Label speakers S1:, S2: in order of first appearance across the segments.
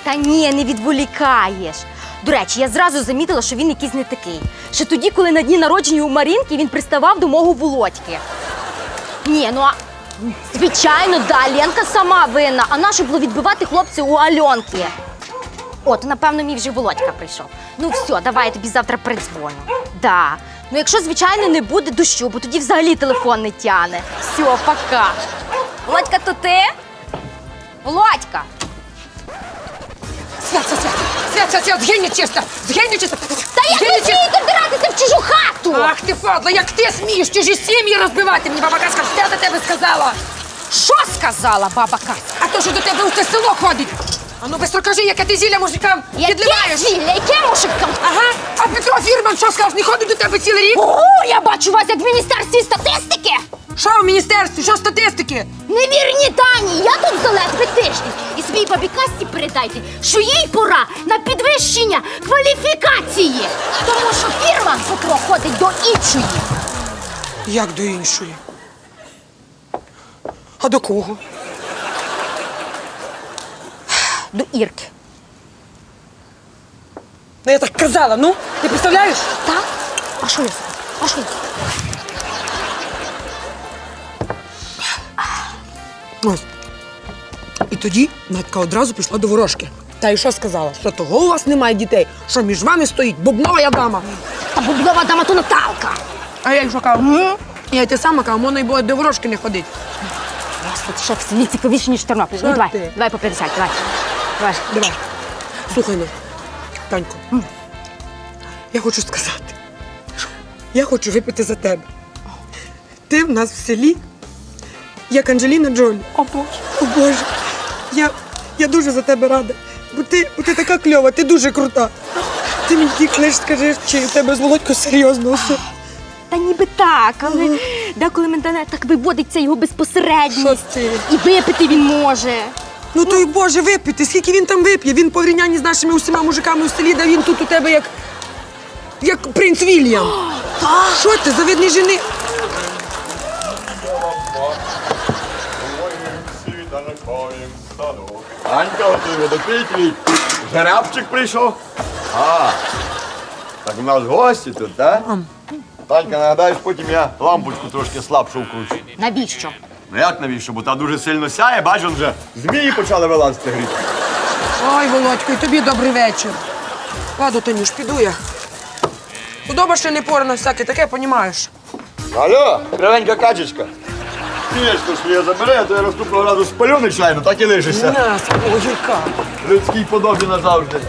S1: Та ні, не відволікаєш. До речі, я зразу замітила, що він якийсь не такий. Ще тоді, коли на дні народження у Марінки він приставав до мого Володьки. Ні, ну а звичайно, да, Ленка сама винна. А нащо було відбивати хлопця у Альонки? От, напевно, мій вже Володька прийшов. Ну все, давай я тобі завтра передзвоню. Да. Ну якщо, звичайно, не буде дощу, бо тоді взагалі телефон не тяне. Все, пока. Володька, то ти? Володька!
S2: Свят, згинь нечисто! Згинь нечисто!
S1: Та як ви смієте вдиратися в чужу хату?
S2: Ах ти, падла, як ти смієш чужі сім'ї розбивати? Мені баба Казка все до тебе сказала!
S1: Що сказала баба Кася?
S2: А то, що до тебе у те село ходить! Ану, бистро кажи, яке ти зілля мужикам
S1: Яке
S2: підливаєш!
S1: зілля? Яке мужикам?
S2: Ага, а Петро Фірман що сказав, не ходить до тебе цілий рік?
S1: О, я бачу вас як в Міністерстві статистики!
S2: Що в міністерстві, що статистики?
S1: Невірні дані, я тут за ледве тиждень. І своїй бабі Касті передайте, що їй пора на підвищення кваліфікації. Тому що фірма Петро ходить до іншої.
S2: Як до іншої? А до кого?
S1: До Ірки.
S2: Ну я так казала, ну, ти представляєш?
S1: Так? А що я сказала? А що я сказала?
S2: Ось. І тоді Надька одразу пішла до ворожки. Та й що сказала? Що того у вас немає дітей? Що між вами стоїть бубнова дама?
S1: Та бублова дама то Наталка.
S2: А я їй що кажу? Я й те саме кажу, можна й було до ворожки не ходить.
S1: Господи, що в селі цікавіше, ніж Тернопіль. Ну,
S2: Що
S1: давай,
S2: ти?
S1: давай по 50, давай. Давай.
S2: Давай. Слухай, ну, Танько, я хочу сказати. Я хочу випити за тебе. Ти в нас в селі, як Анджеліна Джолі.
S1: О, Боже.
S2: О, Боже, я дуже за тебе рада. Бо ти така кльова, ти дуже крута. Ти мені тільки лиш скажи, чи у тебе з Володькою серйозно все.
S1: Та ніби так, але деколи мене так виводиться його безпосередність.
S2: Що ти?
S1: І випити він може.
S2: Ну то й Боже, випити, скільки він там вип'є? Він по порівнянні з нашими усіма мужиками у селі, да він тут у тебе як принц Вільям. Що ти, завидний жени?
S3: Анька, отой водопій твій. Жеребчик прийшов. А, так у нас гості тут, так? Танька, нагадаєш, потім я лампочку трошки слабшу вкручу.
S1: Навіщо?
S3: Ну як навіщо? Бо та дуже сильно сяє, бачу, вже змії почали вилазити гріти.
S2: Ой, Володько, і тобі добрий вечір. Ладно, Танюш, піду я. Худоба ще не порана, всяке таке, понімаєш.
S3: Алло, кривенька качечка. Пішку своє забери, а то я наступного разу спалю нечайно, так і лишишся.
S2: На, свого гірка.
S3: Людській подобі назавжди.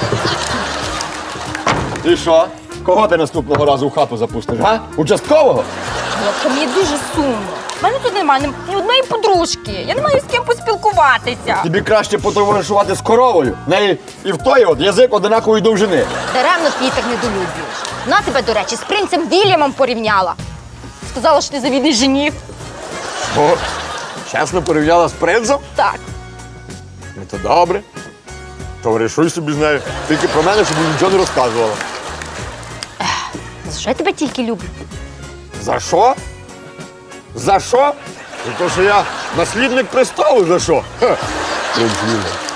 S3: Ти що? Кого ти наступного разу в хату запустиш, га? Участкового?
S1: Володька, мені дуже сумно. У мене тут немає ні одної подружки. Я не маю з ким поспілкуватися.
S3: Тобі краще потоваришувати з коровою. В неї і в той от язик одинакової довжини.
S1: Даремно ти її так недолюблюєш. Вона тебе, до речі, з принцем Вільямом порівняла. Сказала, що ти завідний жених.
S3: О, чесно порівняла з принцем?
S1: Так.
S3: Ну то добре. Товаришуй собі з нею. Тільки про мене, щоб нічого не розказувала.
S1: За що я тебе тільки люблю?
S3: За що? За що? За те, що я наслідник престолу, за що? Ха. Принц Вільям.